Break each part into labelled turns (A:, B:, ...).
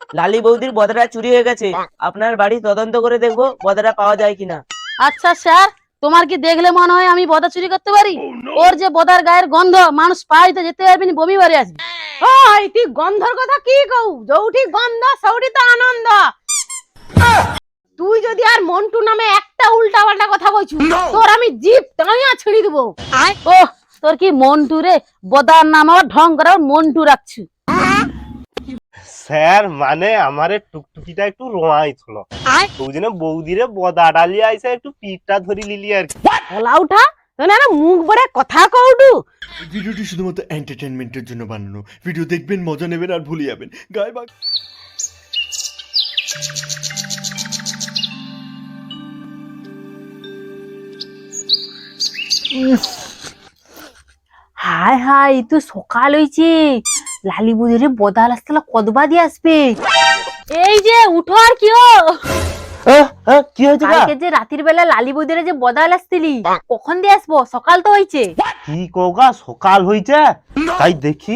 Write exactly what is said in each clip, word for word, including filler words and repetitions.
A: লালি বৌদির বদাটা চুরি হয়ে গেছে, আপনার বাড়ি তদন্ত করে দেখবো বদাটা পাওয়া যায় কিনা।
B: আচ্ছা স্যার, তোমার কি দেখলে মনে হয় আমি বদা চুরি করতে পারি? ওর যে বদার গায়ের গন্ধ, মানুষ পাইতে যেতে পারবি না, বমি বাড়ি আসবে।
C: ওই তুই গন্ধর কথা কি কউ? যৌটি গন্ধ সৌটি তো আনন্দ। তুই যদি আর মন্টু নামে একটা উল্টা পাল্টা কথা বলছু, তোর আমি জিভ টানিয়া ছিঁড়ি দেবো।
B: ও তোর কি মন্টু রে? বদার নাম আবার ঢং করে মন্টু রাখছু।
D: স্যার মানে আমারে টুকটুকিটা একটু রোয়াই ছিল, ওই জন্য বৌদিরে বদা ডালি আইসে একটু পিঠটা ধরি লিলি আর কি।
C: ওলা উঠা তোর না মুখ বড়ে কথা কউডু।
E: ভিডিওটি শুধুমাত্র এন্টারটেনমেন্টের জন্য বানানো। ভিডিও দেখবেন, মজা নেবেন আর ভুলে যাবেন। গায়ে বা
B: হাই হাই, তো সকাল হইছে, লালি বুঝে বদাল আসতে কদবা দিয়ে আসবে। এই যে উঠো আর কি ও?
D: কি হয়েছে?
B: কালকে যে রাতের বেলা লালি বুঝে যে বদাল আসতিলি, কখন দিয়ে আসবো? সকাল তো হইছে।
D: কি কোগা সকাল হইছে? তাই দেখি।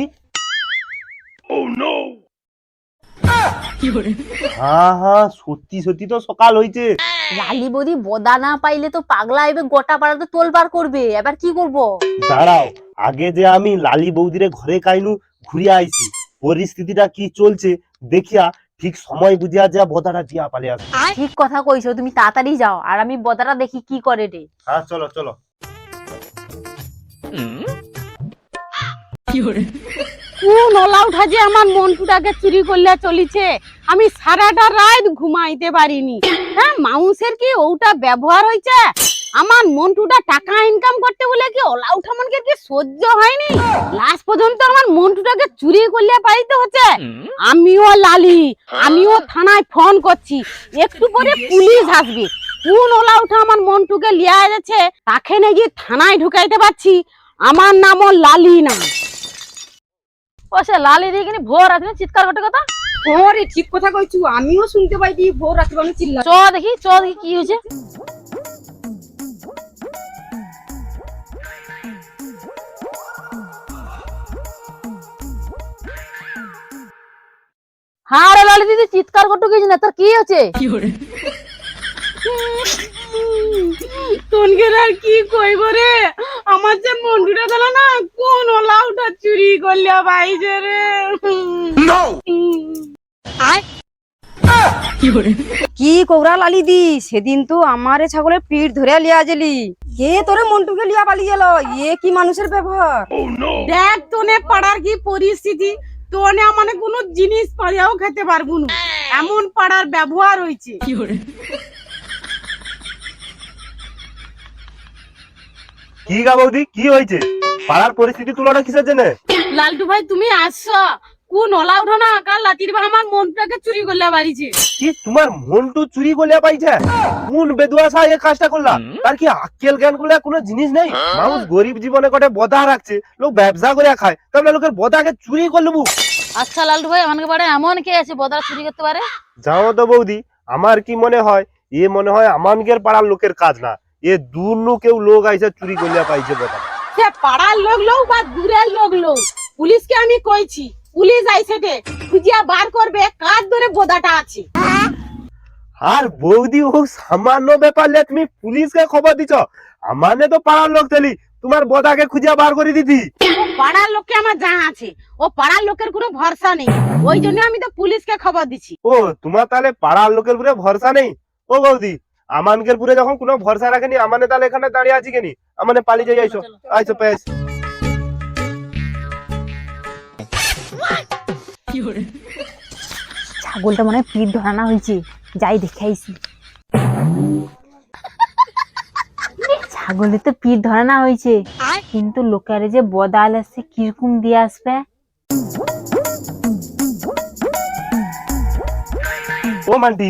D: হ্যাঁ হ্যাঁ সত্যি সত্যি তো সকাল হইছে।
B: লালি বৌদি বদা না পাইলে তো পাগলা আইবে, গোটা পাড়া তো তোলবার করবে। এবার কি করব?
D: দাঁড়াও, আগে যে আমি লালি বৌদিরে ঘরে কাইনু ঘুরিয়া আইছি, পরিস্থিতিটা কি চলছে দেখিয়া ঠিক সময় বুঝিয়া যা বদাটা দিয়া পালে আসবে।
B: ঠিক কথা কইছো, তুমি তাড়াতাড়ি যাও আর আমি বদাটা দেখি কি করে রে।
D: হ্যাঁ চলো চলো।
C: কোন ওলা উঠা যে আমার মন্টুটাকে চুরি করলে চলিছে, আমি সারাটা রাত ঘুমাইতে পারিনি। হ্যাঁ মাউসের কি ওটা ব্যবহার হইছে? আমার মন্টুটা টাকা ইনকাম করতে বলে কি ওলা উঠা মনকে কি সহ্য হয়নি? লাস্ট পর্যন্ত আমার মন্টুটাকে চুরি করলে পাইতে হচ্ছে। আমিও লালি, আমিও থানায় ফোন করছি, একটু পরে পুলিশ আসবে। কোন ওলা উঠা আমার মন্টুকে লিয়া যাচ্ছে, তাকে নাকি থানায় ঢুকাইতে পারছি। আমার নামও লালি না।
B: ও সে লালি দিয়ে কিনি ভোর রাতে চিৎকার করতে কথা।
C: ওরে ঠিক কথা কইছু, আমিও শুনতে পাইছি ভোর রাতে আমি চিল্লা।
B: চ দেখি, চ দেখি কি হয়েছে। হ্যাঁ রে লালি দিদি, চিৎকার করতে গেছি না, তোর কি হয়েছে?
C: তোনকে আর কি কইব রে, আমার যে মন্ডুটা দিল না, কোন ওলাউটা চুরি করলিয়া বাইজে রে।
F: কি কোবরা লালি দি, সেদিন তো আমারে ছাগলের পিঠ ধরে লিয়া জেলি, কে তোরে মন্টুকে লিয়া পালিয়ে গেল? এ কি মানুষের ব্যবহার!
C: দেখ তোনে পাড়ার কি পরিস্থিতি, তোনে আমানে কোনো জিনিস পাড়িয়াও খেতে পারবো না, এমন পাড়ার ব্যবহার হইছে।
D: কি গা বৌদি কি হয়েছে? পাড়ার পরিস্থিতি তুলনা কিসের জন্য?
C: লালটু ভাই তুমি আসছো, কোন ওলা উঠো না কাল রাতির বেলা আমার মনটাকে চুরি করলে বাড়িছে।
D: কি তোমার মন্টু চুরি করলে পাইছে? কোন বেদুয়াশা এই কাজটা করলা? তার কি আক্কেল জ্ঞান গুলা কোনো জিনিস নেই? মানুষ গরিব জীবনে কটে বদা রাখছে, লোক ব্যবসা করে খায়, তাহলে লোকের বদাকে চুরি করে নেবো?
B: আচ্ছা লালটু ভাই, আমাকে বাড়ি এমন কে আছে বদা চুরি করতে পারে?
D: যাও তো বৌদি, আমার কি মনে হয় এ মনে হয় আমানকের পাড়ার লোকের কাজ না, এ দূর নু কেউ লোক আইসা চুরি করলে পাইছে বদা।
C: সে পাড়ার লোক লোক বা দূরের লোক লোক, পুলিশকে আমি কইছি, পুলিশ আইছে দে খুঁজিয়া বার করবে কার ধরে বোদাটা আছে।
D: আর বৌদি ও সামান্য ব্যাপার লে তুমি পুলিশকে খবর দিছ? আমানে তো পাড়ার লোক তেলি তোমার বদাকে খুঁজিয়া বার করে দিতি।
C: পাড়ার লোককে আমার জানা আছে, ও পাড়ার লোকের কোনো ভরসা নেই, ওই জন্য আমি তো পুলিশকে খবর দিছি।
D: ও তোমার তাহলে পাড়ার লোকের উপরে ভরসা নেই? ও বৌদি, আমানকের পুরে যখন কোনো ভরসা রাখেনি, আমানে তাহলে এখানে দাঁড়িয়ে আছি কেনি? আমানে পালিয়ে যাই, আইসো আইসো পেস।
B: ছাগলটা মনে হয় পিঠ ধরানো হয়েছে, যাই দেখে আইছি। ছাগলের তো পিঠ ধরানো হয়েছে, কিন্তু লোকের যে বদাল আছে কিরকম দিয়ে আসবে।
D: ও মান্টি,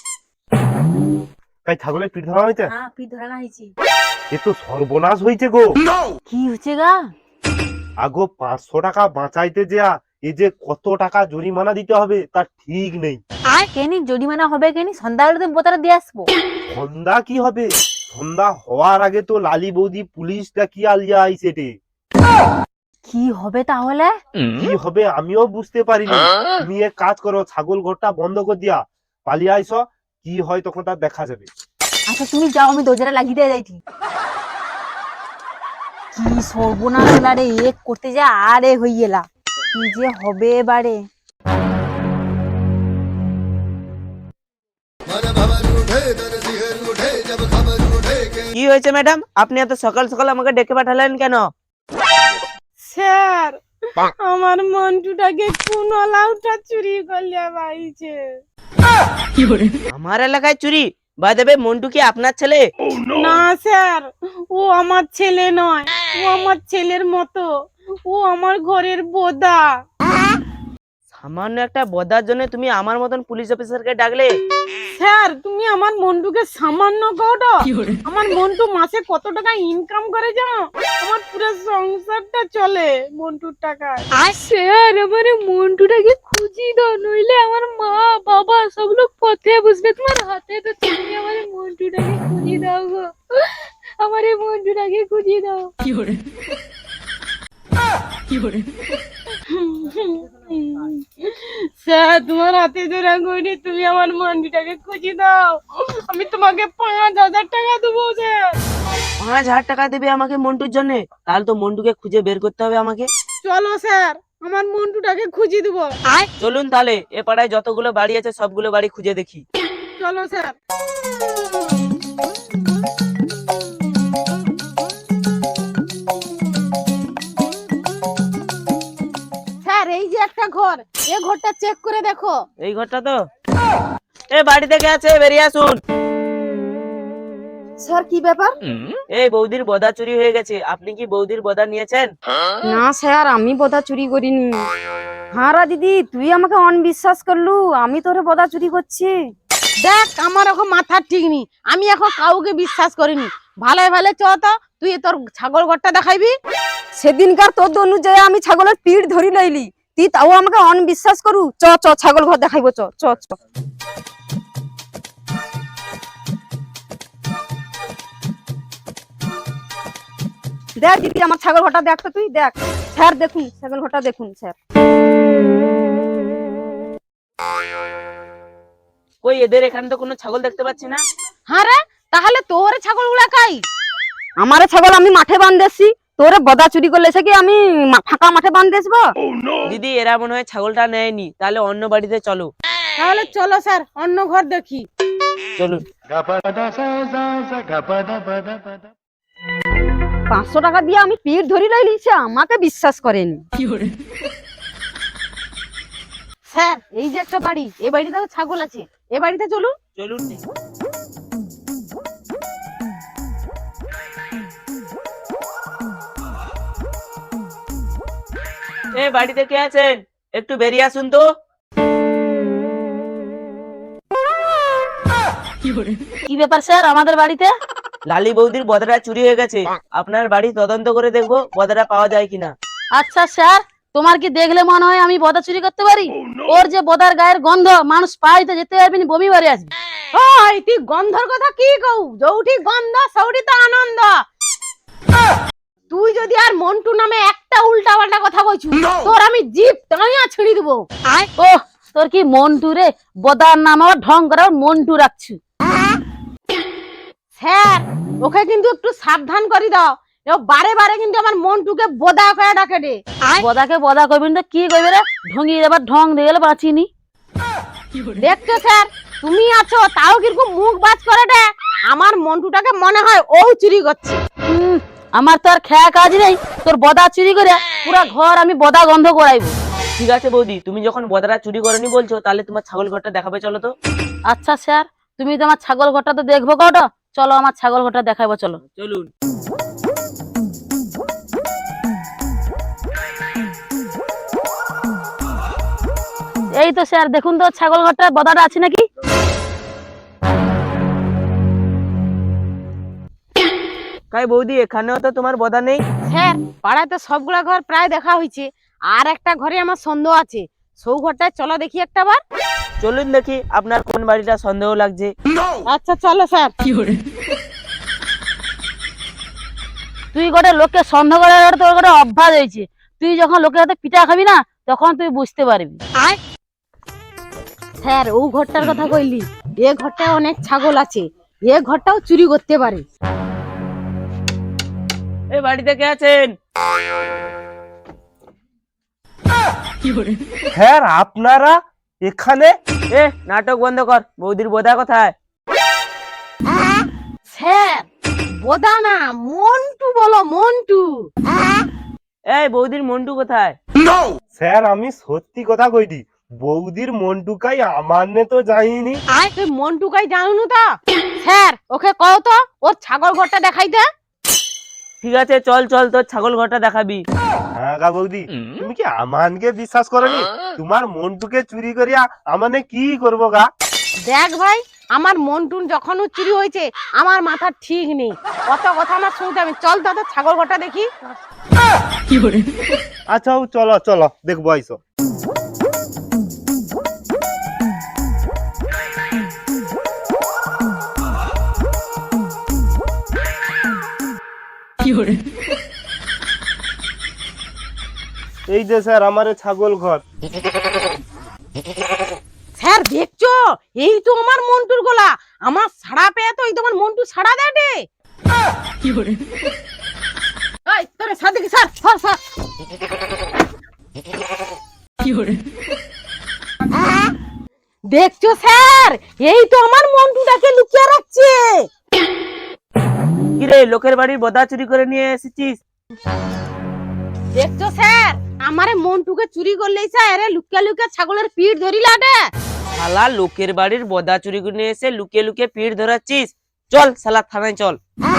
D: তাই ছাগলের পিঠ ধরা হয়েছে?
B: হ্যাঁ পিঠ ধরানো হয়েছে।
D: এ তো সর্বনাশ হয়েছে গো।
B: কি হচ্ছে গা?
D: আগো পাঁচশো টাকা বাঁচাইতে যা এই যে কত টাকা জরিমানা দিতে হবে তার ঠিক নেই।
B: কেনি জরিমানা হবে কেনি? সন্ধ্যাবেলাতে বোতাটা দিয়ে আসবো।
D: সন্ধ্যা কি হবে? সন্ধ্যা হওয়ার আগে তো লালি বৌদি পুলিশটা কি আলিয়া আইছে রে।
B: কি হবে তাহলে?
D: কি হবে আমিও বুঝতে পারিনি। তুমি এক কাজ করো, ছাগল ঘরটা বন্ধ করে দিয়া পালিয়ে আইসো, কি হয় তখন তার দেখা যাবে।
B: আচ্ছা তুমি যাও, আমি দরজাটা লাগিয়ে দিয়ে যাইছি। কি সর্বনাশ হলা রে, এক করতে যা আরে হয়ে গেলা, কি যে হবে এবারে।
A: কি হয়েছে ম্যাডাম, আপনি এত সকাল সকাল আমাকে ডেকে পাঠালেন কেন?
C: স্যার, আমার মন্টুটাকে কোন লাউটা চুরি করলে পাইছে।
A: আমার এলাকায় চুরি? বাই দ্য ওয়ে, মন্টু কি আপনার ছেলে?
C: না স্যার, ও আমার ছেলে নয়, ও আমার ছেলের মতো, ও আমার ঘরের বোদা।
A: সামান্য একটা বদার জন্য তুমি আমার মতন পুলিশ অফিসারকে ডাকলে?
C: স্যার, তুমি আমার মন্টুকে সামান্য কটো। আমার মন্টু মাসে কত টাকা ইনকাম করে জানো? আমার পুরো সংসারটা চলে মন্টুর টাকায়।
B: স্যার, আমার মন্টুটাকে খুঁজি দাও, নইলে আমার মা বাবা সব লোক পথে বসবে তোমার হাতে। তো তুমি আমার মন্টুটাকে খুঁজি দাও গো, আমার এই মন্টুটাকে খুঁজি দাও।
C: স্যার, তোমার হাতে ধরা করি, তুমি আমার মন্টুটাকে খুঁজি দাও। আমি তোমাকে পাঁচ হাজার টাকা দেবো স্যার।
A: পাঁচ হাজার টাকা দেবে আমাকে মন্টুর জন্য? তাহলে তো মন্টুকে খুঁজে বের করতে হবে আমাকে।
C: চলো স্যার, আমার মন্টুটাকে খুঁজি দেবো।
A: চলুন তাহলে, এ পাড়ায় যতগুলো বাড়ি আছে সবগুলো বাড়ি খুঁজে দেখি।
C: চলো স্যার। স্যার, এই যে একটা ঘর, এই ঘরটা চেক করে দেখো।
A: এই ঘরটা তো? এ বাড়ি থেকে আছে, বেরিয়ে আসুন।
F: স্যার কি ব্যাপার?
A: এই বৌদির বদা চুরি হয়ে গেছে, আপনি কি বৌদির বদা নিয়েছেন?
F: না স্যার, আমি বোদা চুরি করিনি। হ্যাঁ রা দিদি, তুই আমাকে অনবিশ্বাস করলু, আমি তোরে বোদা চুরি করছি।
C: দেখ, আমার এখন মাথার ঠিক নেই, আমি এখন কাউকে বিশ্বাস করিনি। ভালো ভালো চ তো, তুই তোর ছাগল ঘরটা দেখাইবি।
F: সেদিনকার তোর অনুযায়ী আমি ছাগলের পিঠ ধরি লইলি, তুই তাও আমাকে অনবিশ্বাস করু। চ চ ছাগল ঘর দেখাইবো, চ চ চ। দেখ দিদি, আমার ছাগল ঘরটা দেখ তো, তুই দেখ। স্যার দেখুন, ছাগল ঘরটা দেখুন স্যার।
A: কই, এদের এখানে তো কোনো ছাগল দেখতে পাচ্ছি না।
C: হ্যাঁ রে, তাহলে তোর ছাগল গুলা কাই?
F: আমার ছাগল আমি মাঠে বাঁধেছি, তোরে বদা চুরি করলে সে কি আমি মা- ফাঁকা মাঠে বাঁধেছবো?
A: দিদি, এরা মনে হয় ছাগলটা নেয়নি, তাহলে অন্য বাড়িতে চলো।
C: তাহলে চলো স্যার, অন্য ঘর দেখি।
A: চলুন।
F: পাঁচশো টাকা দিয়ে আমি পিঠ ধরি লইলি, সে আমাকে বিশ্বাস করেনি।
C: স্যার, এই যে একটা বাড়ি, এই বাড়িতে ছাগল আছে, এই বাড়িতে চলুন।
A: চলুন। এ বাড়িতে কে আছেন? একটু বেরিয়ে আসুন তো।
B: কি ব্যাপার স্যার আমাদের বাড়িতে?
A: লালি বৌদির বদাটা চুরি হয়ে গেছে, আপনার বাড়ি তদন্ত করে দেখবো বদাটা পাওয়া যায় কিনা।
B: আচ্ছা স্যার, তোমার কি দেখলে মনে হয় আমি বদা চুরি করতে পারি? ওর যে বদার গায়ের গন্ধ, মানুষ পাইতে যেতে পারবি না, বমি বাড়ি আসবে।
C: ওই, তুই গন্ধর কথা কি কউ? যৌটি গন্ধ সৌটি তো আনন্দ। তুই যদি আর মন্টু নামে একটা উল্টা পাল্টা কথা কইছু, তোর আমি জিভ টাইয়া ছিড়ি দেবো।
B: ও, তোর কি মন্টু রে? বদার নাম আবার ঢং করে মন্টু রাখছু।
C: স্যার, ওকে কিন্তু একটু সাবধান করে দাও, ও বারে বারে কিন্তু আমার মন্টুকে বোদা করে ডাকে রে।
B: বদাকে বদা করবেন তো কি করবে রে? ঢঙ্গিয়ে এবার ঢং দিয়ে গেলে বাঁচিনি।
C: দেখছো স্যার, তুমি আছো তাও কিরকম মুখ বাজ করে রে। আমার মন্টুটাকে মনে হয় ও চুরি করছে।
B: হুম, আমার তো আর খেয়া কাজ নেই, তোর বদা চুরি করে পুরা ঘর আমি বদা গন্ধ করাইবো।
A: ঠিক আছে বৌদি, তুমি যখন বদাটা চুরি করেনি বলছো, তাহলে তোমার ছাগল ঘরটা দেখাবে, চলো তো।
B: আচ্ছা স্যার, তুমি তো আমার ছাগল ঘরটা তো দেখবো কটা, চলো আমার ছাগল ঘরটা দেখাবো, চলো।
A: চলুন।
B: এই তো স্যার, দেখুন তো ছাগল ঘরটা বদাটা আছে নাকি?
A: কাই বৌদি, এখানেও তো তোমার বদা নেই।
C: স্যার, পাড়ায় তো সবগুলা ঘর প্রায় দেখা হয়েছে, আর একটা ঘরে আমার সন্দেহ আছে, সৌ ঘরটায় চলো দেখি একটা বার।
A: চলুন দেখি আপনার কোন বাড়িটা সন্দেহ লাগছে।
C: আচ্ছা চলো স্যার।
B: তুই গোটে লোককে সন্দেহ করার তোর গোটে অভ্যাস হয়েছে।
C: তুই যখন লোকের হাতে পিঠা খাবি না তখন তুই বুঝতে পারবি। স্যার ও ঘরটার কথা কইলি, এ ঘরটায় অনেক ছাগল আছে, এ ঘরটাও চুরি করতে পারে।
A: এই বাড়িতে কে আছেন?
D: স্যার আপনারা এখানে?
A: এ নাটক বন্ধ কর, বৌদির বোধা কোথায়?
C: স্যার বোদা না, মন্টু বলো, মন্টু।
A: এই বৌদির মন্টু কোথায়?
D: স্যার আমি সত্যি কথা কইদি, বৌদির মন্টুকাই আমার নে তো যাইনি।
C: তুই মন্টুকাই জানুন তা? স্যার ওকে কও তো ওর ছাগল ঘরটা দেখাইতে।
A: ঠিক আছে চল চল, তোর ছাগল ঘরটা দেখাবি।
D: হ্যাঁ গা বৌদি, তুমি কি আমানকে বিশ্বাস করনি? তোমার মন্টুকে চুরি করিয়া আমানে কি করবো গা?
C: দেখ ভাই, আমার মন্টুন যখন ও চুরি হয়েছে আমার মাথা ঠিক নেই, কত কথা না শুনতে আমি। চল দাদা ছাগল ঘরটা দেখি।
D: আচ্ছা ও চলো চলো দেখবো আইসো। এই যে স্যার আমার ছাগল ঘর।
C: স্যার দেখছো, এই তো আমার মন্টুর গলা। আমার ছাড়া পেয়ে তো এই তোমার মন্টু ছাড়া দেটে। এই তোরে সাথে কি স্যার স্যার স্যার দেখছো স্যার, এই তো আমার মন্টুটাকে লুকিয়ে রাখছে।
A: কিরে লোকের বাড়ির বোধা চুরি করে নিয়ে এসেছিস?
C: দেখছো স্যার, আমারে মন্টুকে চুরি করলেই স্যার লুকিয়ে লুকিয়ে ছাগলের পিঠ ধরিলা দে।
A: শালা লোকের বাড়ির বোধা চুরি করে নিয়ে এসে লুকিয়ে লুকিয়ে পিঠ ধরাচ্ছিস? চল শালা থানায় চল।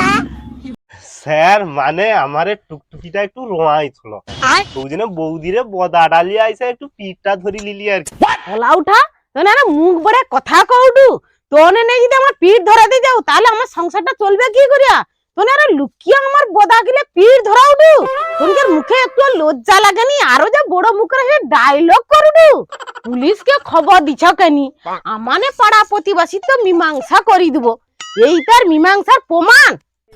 D: স্যার মানে আমারে টুকটুকিটা একটু রোয়াই ছিল, ওই জন্য বৌদিরে বদা ডালি আইসে একটু পিঠটা ধরি লিলি আর কি।
C: গলা উঠা তোনে না মুখ বড়ে কথা কউডু, তোনে নেই যদি আমার পিঠ ধরাতে যাও তাহলে আমার সংসারটা চলবে কি করিয়া? তোনে আরে লুকিয়ে আমার বদা গিলে পিঠ ধরাউডু, তোনকে মুখে একটু লজ্জা লাগেনি? আরো যে বড় মুখের হে ডায়লগ করুডু। পুলিশকে খবর দিছ কেনি? আমানে পাড়া প্রতিবাসী তো মীমাংসা করি দিব, এই তার মীমাংসার প্রমাণ।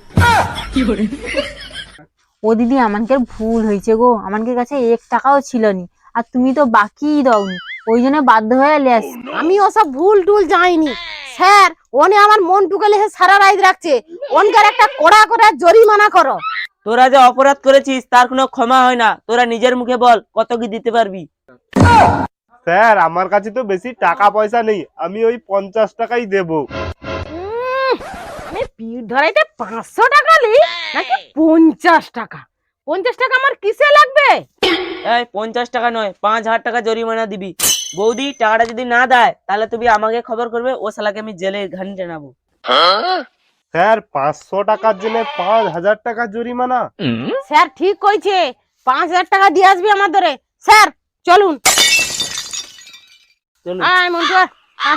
B: ও দিদি আমানকে ভুল হয়েছে গো, আমানকে কাছে এক টাকাও ছিল নি, আর তুমি তো বাকি দাওনি, ওই জন্য বাধ্য হয়ে লেস।
C: আমি ওসব ভুল টুল যাইনি স্যার, ওনে আমার মন্টুকে লেহে সারা রাত রাখছে, ওনকার একটা কড়া করে জরিমানা করো।
A: তোরা যে অপরাধ করেছিস তার কোনো ক্ষমা হয় না, তোরা নিজের মুখে বল কত কি দিতে পারবি?
D: স্যার আমার কাছে তো বেশি টাকা পয়সা নেই, আমি ওই পঞ্চাশ টাকাই দেবো।
C: উম, আমি পিঠ ধরাইতে পাঁচশো টাকা লি নাকি পঞ্চাশ টাকা? পঞ্চাশ টাকা আমার কিসে লাগবে?
A: এই পঞ্চাশ টাকা নয়, পাঁচ হাজার টাকা জরিমানা দিবি। বৌদি টাকাটা যদি না দেয় তাহলে তুমি আমাকে খবর করবে, ও শালাকে আমি জেলে ঘানি টানাবো।
D: স্যার পাঁচশো টাকার জন্য পাঁচ হাজার টাকা জরিমানা?
C: স্যার ঠিক কইছে, পাঁচ হাজার টাকা দিয়ে আসবি আমার ধরে। স্যার চলুন।
A: চলুন।
C: আয় মন্টু আয়, আয়।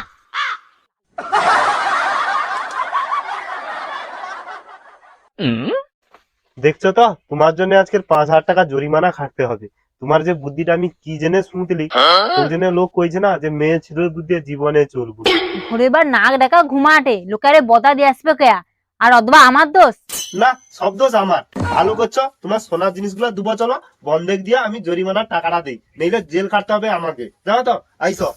D: দেখছো তো তোমার জন্য আজকের পাঁচ হাজার টাকা জরিমানা খাটতে হবে। তোমার যে বুদ্ধিটা আমি কি জেনে শুনতেলি, ওই জন্য লোক কইছে না যে মেয়ে ছেলের বুদ্ধি জীবনে চলবো।
B: ঘরে বার নাক ডাকা ঘুমাটে, লোকারে বদা দিয়ে আসবে কেয়া? আর অথবা আমার দোষ?
D: না সব দোষ আমার। ভালো করছো, তোমার সোনার জিনিসগুলো দুবো চলো, বন্ধক দিয়ে আমি জরিমানার টাকাটা দেই, নইলে জেল কাটতে হবে আমাকে। জানো তো আইসো।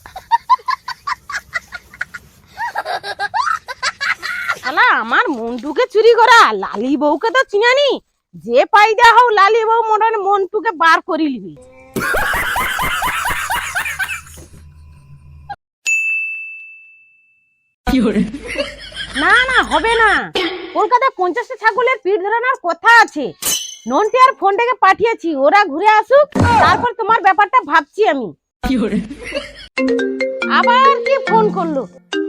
C: শালা আমার মন্টুকে চুরি করা, লালি বউকে তো চিনানি, যে পাই দেয়া হোক লালি বউ মনে মন্টুকে বার করি লিবি। না না হবে না, কলকাতায় পঞ্চাশটা ছাগলের পিঠ ধরানোর কথা আছে। নন্টি আর ফোনটাকে পাঠিয়েছি, ওরা ঘুরে আসুক, তারপর তোমার ব্যাপারটা ভাবছি আমি। আবার কি ফোন করলো?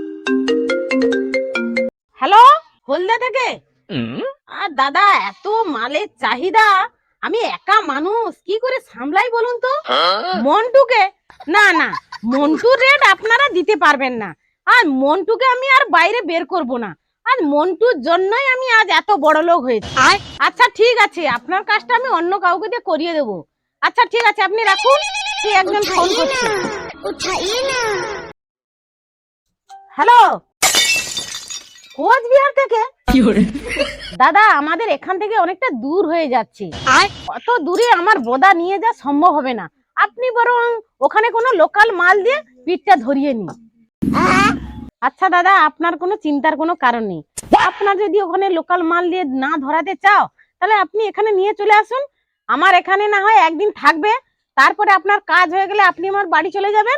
C: হ্যালো, হলদা থেকে? আর দাদা এত মালের চাহিদা, আমি একা মানুষ কি করে সামলাই বলুন তো? মন্টুকে না না, মন্টুর রেট আপনারা দিতে পারবেন না, আর মন্টুকে আমি আর বাইরে বের করব না, আর মন্টুর জন্যই আমি আজ এত বড় লোক হয়েছি। আচ্ছা ঠিক আছে, আপনার কাজটা আমি অন্য কাউকে দিয়ে করিয়ে দেবো। আচ্ছা ঠিক আছে, আপনি রাখুন, সে একজন ফোন করছে। হ্যালো কোচবিহার থেকে? দাদা আমাদের এখান থেকে অনেকটা দূর হয়ে যাচ্ছে, অত দূরে আমার বোদা নিয়ে যাওয়া সম্ভব হবে না। আপনি বরং ওখানে কোনো লোকাল মাল দিয়ে পিঠটা ধরিয়ে নিন। আচ্ছা দাদা, আপনার কোনো চিন্তার কোনো কারণ নেই। আপনার যদি ওখানে লোকাল মাল দিয়ে না ধরাতে চাও, তাহলে আপনি এখানে নিয়ে চলে আসুন। আমার এখানে না হয় একদিন থাকবে, তারপরে আপনার কাজ হয়ে গেলে আপনি আমার বাড়ি চলে যাবেন।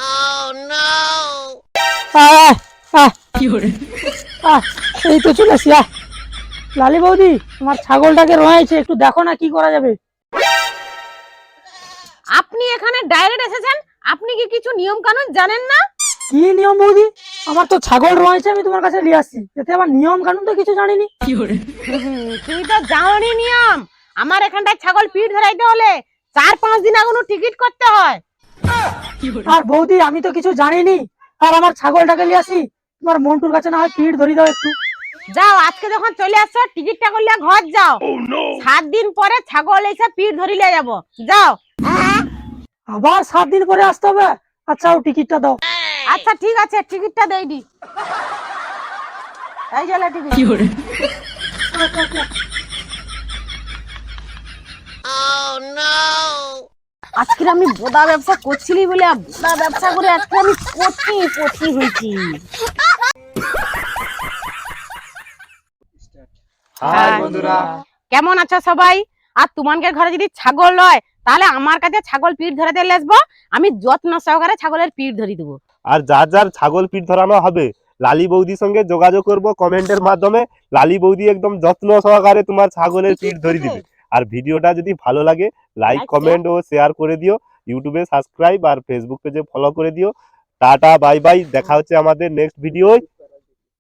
G: আহ, আহ, আহ, এই তো চলে আসি। আহ। লালি বৌদি, তোমার ছাগলটাকে রয়েছে, একটু দেখো না কি করা যাবে।
C: আপনি এখানে ডাইরেক্ট এসেছেন, আপনি কি কিছু নিয়ম কানুন জানেন না?
G: কি নিয়ম বৌদি? আমার তো ছাগল রয়েছে, আমি তোমার কাছে নিয়ে আসছি, এতে আমার নিয়ম কানুন তো কিছু জানিনি।
C: হুম, তুমি তো জানোনি নিয়ম। আমার এখানটায় ছাগল পিঠ ধরাইতে হলে চার পাঁচ দিন আগে টিকিট করতে হয়।
G: আর বৌদি আমি তো কিছু জানিনি, আর আমার ছাগলটাকে নিয়ে আসি, তোমার মন্টুর কাছে না হয় পিঠ ধরি দাও একটু।
C: যাও, আজকে যখন চলে আসছো টিকিটটা করলে ঘর যাও। সাত দিন পরে ছাগল এসে পিঠ ধরিলে যাবো, যাও।
G: আবার সাত দিন পরে আসতে হবে? আচ্ছা ও টিকিটটা দাও।
C: আচ্ছা ঠিক আছে, টিকিটটা দেই দি। এই যে টিকিট। আজকে আমি বোদা ব্যবসা করছিলি বলে বোদা ব্যবসা করে আজকে আমি কোটি কোটি হয়েছি।
D: হাই বন্ধুরা,
C: কেমন আছো সবাই? আর তোমাদের ঘরে যদি ছাগল হয় তাহলে আমার কাছে ছাগল পিঠ ধরাতে আসবো, আমি যত্ন সহকারে ছাগলের পিঠ ধরি দেবো।
D: আর যার যার ছাগল পিঠ ধরানো হবে লালি বৌদির সঙ্গে যোগাযোগ করব কমেন্টের মাধ্যমে। লালি বৌদি একদম যত্ন সহকারে তোমার ছাগলের পিঠ ধরিয়ে দিবে। আর ভিডিওটা যদি ভালো লাগে লাইক কমেন্ট ও শেয়ার করে দিও, ইউটিউবে সাবস্ক্রাইব আর ফেসবুক পেজে ফলো করে দিও। টাটা বাই বাই, দেখা হচ্ছে আমাদের নেক্সট ভিডিওয়।